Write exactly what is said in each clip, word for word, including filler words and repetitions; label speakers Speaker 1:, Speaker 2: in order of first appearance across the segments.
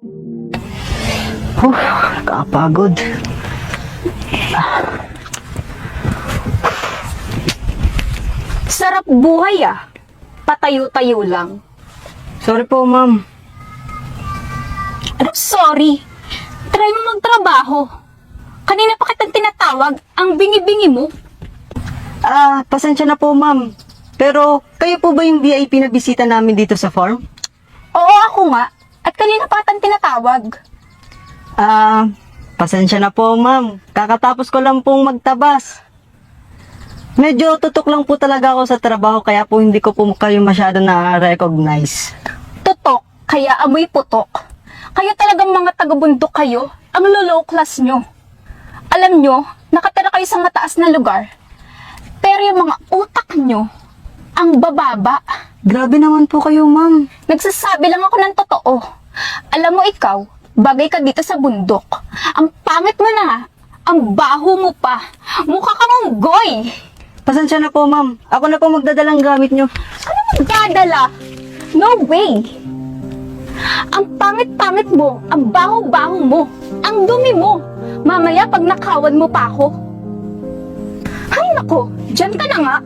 Speaker 1: Huh, kapagod.
Speaker 2: Sarap buhay ah. Patayo-tayo lang.
Speaker 1: Sorry po, ma'am.
Speaker 2: Ano, sorry. Try mo magtrabaho. Kanina pa kitang tinatawag, ang bingi-bingi mo.
Speaker 1: Ah, pasensya na po, ma'am. Pero, kayo po ba yung V I P na bisita namin dito sa farm?
Speaker 2: Oo, ako nga. At kanina pa kitang tinatawag.
Speaker 1: Ah, pasensya na po, ma'am. Kakatapos ko lang pong magtabas. Medyo tutok lang po talaga ako sa trabaho, kaya po hindi ko po kayo masyado na-recognize.
Speaker 2: Tutok, kaya amoy putok. Kayo talagang mga taga-bundok kayo, ang low class nyo. Alam nyo, nakatira kayo sa mataas na lugar. Pero yung mga utak nyo, ang bababa.
Speaker 1: Grabe naman po kayo, ma'am.
Speaker 2: Nagsasabi lang ako ng totoo. Alam mo ikaw, bagay ka dito sa bundok. Ang pangit mo na, ang baho mo pa. Mukha kang unggoy.
Speaker 1: Pasensya na po, ma'am. Ako na po magdadalang gamit nyo.
Speaker 2: Ano magdadala? No way! Ang pangit-pangit mo, ang baho-baho mo, ang dumi mo. Mamaya pag nakawan mo pa ako. Ay nako, dyan ka na nga.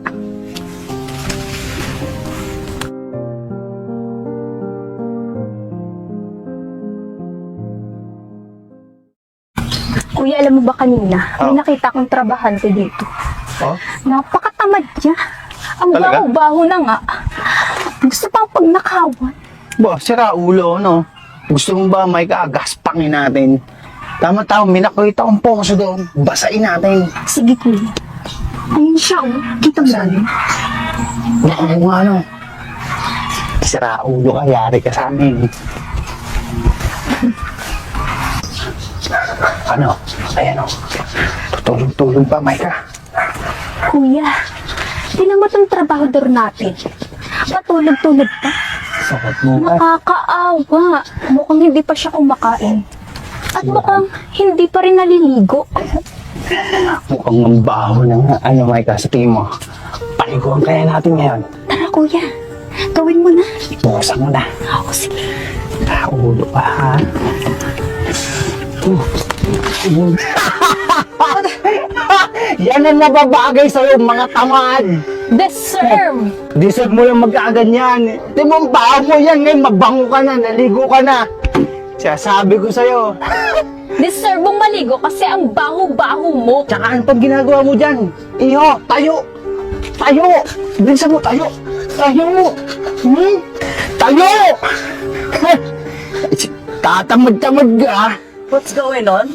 Speaker 2: Kuya, alam mo ba kanina, may
Speaker 3: Oh.
Speaker 2: nakita kong trabahante dito.
Speaker 3: Oh?
Speaker 2: Napakatamad niya. Ang
Speaker 3: Talaga?
Speaker 2: baho-baho na nga. Gusto pang pag nakawan.
Speaker 3: Ba, sira ulo, no? Gusto mo ba may kagaspangin natin? Tama-tama, may nakita akong poso doon. Basain natin.
Speaker 2: Sige, kuya. Ayun siya, oh. Kita mo ba?
Speaker 3: Baka mo nga, no? Sira ulo ka, yari ka sa amin. Ano? Ayan, o. Tutulog-tulog pa, Micah.
Speaker 2: Kuya, tinan mo itong trabahador natin. Patulog-tulog pa.
Speaker 3: Sakot mo ka.
Speaker 2: Nakakaawa. Mukhang hindi pa siya kumakain. At mukhang hindi pa rin naliligo.
Speaker 3: Mukhang ang baho ng ano, Micah, sa tingin mo. Paliguan kaya natin ngayon.
Speaker 2: Tara, kuya. Gawin mo na.
Speaker 3: Bukasan mo na.
Speaker 2: Oo, sige.
Speaker 3: Ah, ulo pa, ha? Uh. Yan ang nababagay sa'yo, mga tamad.
Speaker 2: Deserve!
Speaker 3: Deserve mo lang magkaganyan. Di mo ang baho mo yan ngayon, mabango ka na, naligo ka na. Sabi ko sa'yo.
Speaker 2: Deserve mong maligo kasi ang baho-baho mo.
Speaker 3: Tsaka ano pang ginagawa mo dyan? Iho, tayo! Tayo! Bilisan mo, tayo! Tayo! Hmm? Tayo! Tatamad-tamad ka.
Speaker 1: What's going on?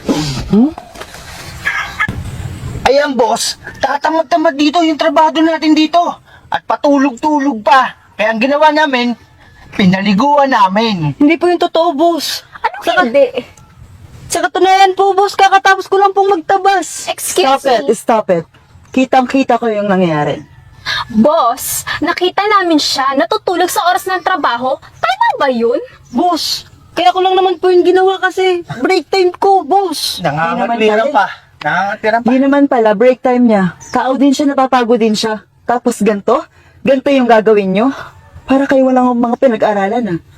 Speaker 3: Ayan, boss, tatamad-tamad dito yung trabaho natin dito. At patulog-tulog pa. Kaya ang ginawa namin, pinaliguan namin.
Speaker 1: Hindi po yung totoo, boss.
Speaker 2: Ano hindi?
Speaker 1: Sa katunayan po, boss, kakatapos ko lang pong magtabas.
Speaker 2: Excuse
Speaker 1: Stop
Speaker 2: me?
Speaker 1: it, stop it. Kitang-kita ko yung nangyayari.
Speaker 2: Boss, nakita namin siya natutulog sa oras ng trabaho. Tama ba yun?
Speaker 1: Boss, kaya ko lang naman po yung ginawa kasi break time ko, boss.
Speaker 3: Nangangatwiran pa. Nangangatwiran pa.
Speaker 1: Di naman pala, break time niya. Tao din siya, napapagod din siya. Tapos ganto? Ganto yung gagawin nyo? Para kayo walang mga pinag-aralan, ah.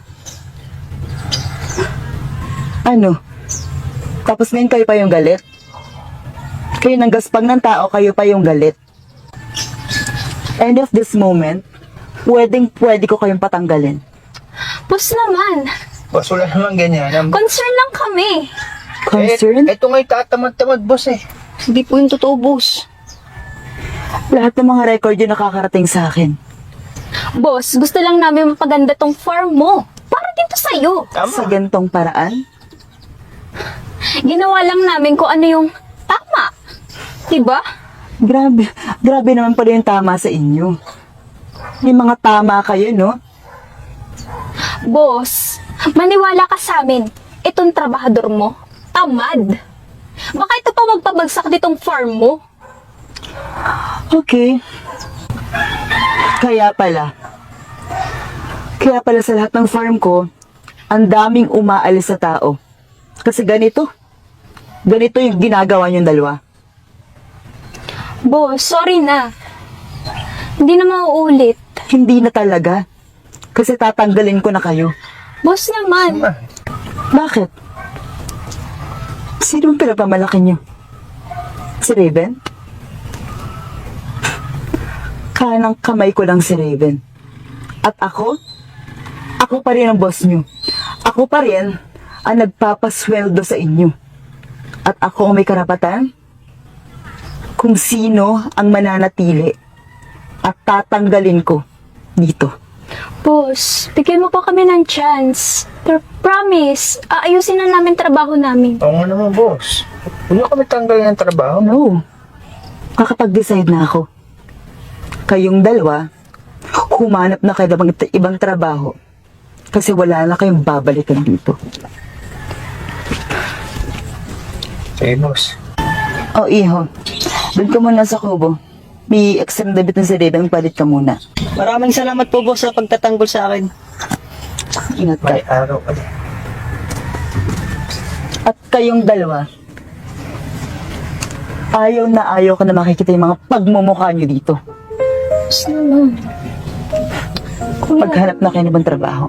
Speaker 1: Ano? Tapos ngayon kayo pa yung galit? Kayo nang gaspang ng tao, kayo pa yung galit. End of this moment, pwedeng pwede ko kayong patanggalin.
Speaker 2: Boss naman,
Speaker 3: Boss, wala naman ganyan.
Speaker 2: concern lang kami.
Speaker 1: Concern?
Speaker 3: Eh, ito nga'y tatamad-tamad, boss eh.
Speaker 1: Hindi po yung totoo, boss. Lahat ng mga record yung nakakarating sa akin.
Speaker 2: Boss, gusto lang namin mapaganda tong farm mo. Para dito sa'yo.
Speaker 1: Sa gantong paraan.
Speaker 2: Ginawa lang namin kung ano yung tama. Diba?
Speaker 1: Grabe, grabe naman pala yung tama sa inyo. May mga tama kayo, no?
Speaker 2: Boss, maniwala ka sa amin. Itong trabahador mo, tamad. Baka ito pa magpabagsak ditong farm mo.
Speaker 1: Okay. Kaya pala. Kaya pala sa lahat ng farm ko, ang daming umaalis sa tao. Kasi ganito. Ganito yung ginagawa niyong dalawa.
Speaker 2: Boss, sorry na. Hindi na mauulit.
Speaker 1: Hindi na talaga. Kasi tatanggalin ko na kayo.
Speaker 2: Boss naman.
Speaker 1: Bakit? Sino ang pinapamalaki niyo? Si Raven? Kanang kamay ko lang si Raven. At ako? Ako pa rin ang boss niyo. Ako pa rin ang nagpapasweldo sa inyo. At ako ang may karapatan kung sino ang mananatili at tatanggalin ko dito.
Speaker 2: Boss, bigyan mo pa kami ng chance. Pero promise, aayusin na namin trabaho namin.
Speaker 3: Oo nga naman, boss. Huwag na kami tanggalin ng trabaho.
Speaker 1: No. Kakapag-decide na ako. Kayong dalawa, humanap na kayo ng ibang- ibang trabaho. Kasi wala na kayong babalikan dito.
Speaker 3: Sige, boss.
Speaker 1: O, iho. Doon ka muna sa kubo. May exam debit na si Raven, palit ka muna.
Speaker 4: Maraming salamat po boss sa pagtatanggol sa akin.
Speaker 1: Ingat ka.
Speaker 3: May araw ka din.
Speaker 1: At kayong dalawa, ayaw na ayaw ka na makikita yung mga pagmumukha nyo dito.
Speaker 2: Boss naman. Kuya,
Speaker 1: Paghanap na kayo ng ibang trabaho.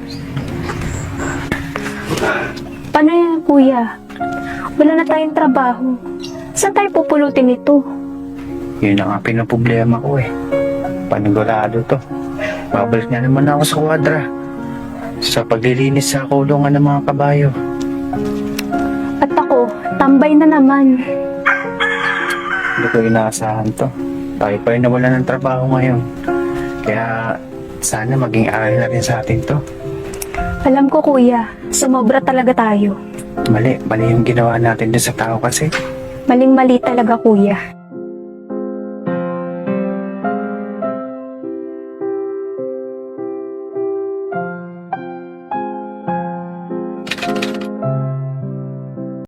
Speaker 2: paano yan, kuya? Wala na tayong trabaho. Saan tayo pupulutin ito?
Speaker 3: Yun na nga pinaproblema ko eh. Panigurado to. Babalik na naman ako sa kwadra. Sa paglilinis sa kulungan ng mga kabayo.
Speaker 2: At ako, tambay na naman.
Speaker 3: Hindi ko inaasahan to. Tayo pa rin nawala ng trabaho ngayon. Kaya sana maging aral na rin sa atin to.
Speaker 2: Alam ko, kuya, sumobra talaga tayo.
Speaker 3: Mali, mali yung ginawa natin dun sa tao kasi.
Speaker 2: Maling-mali talaga, kuya.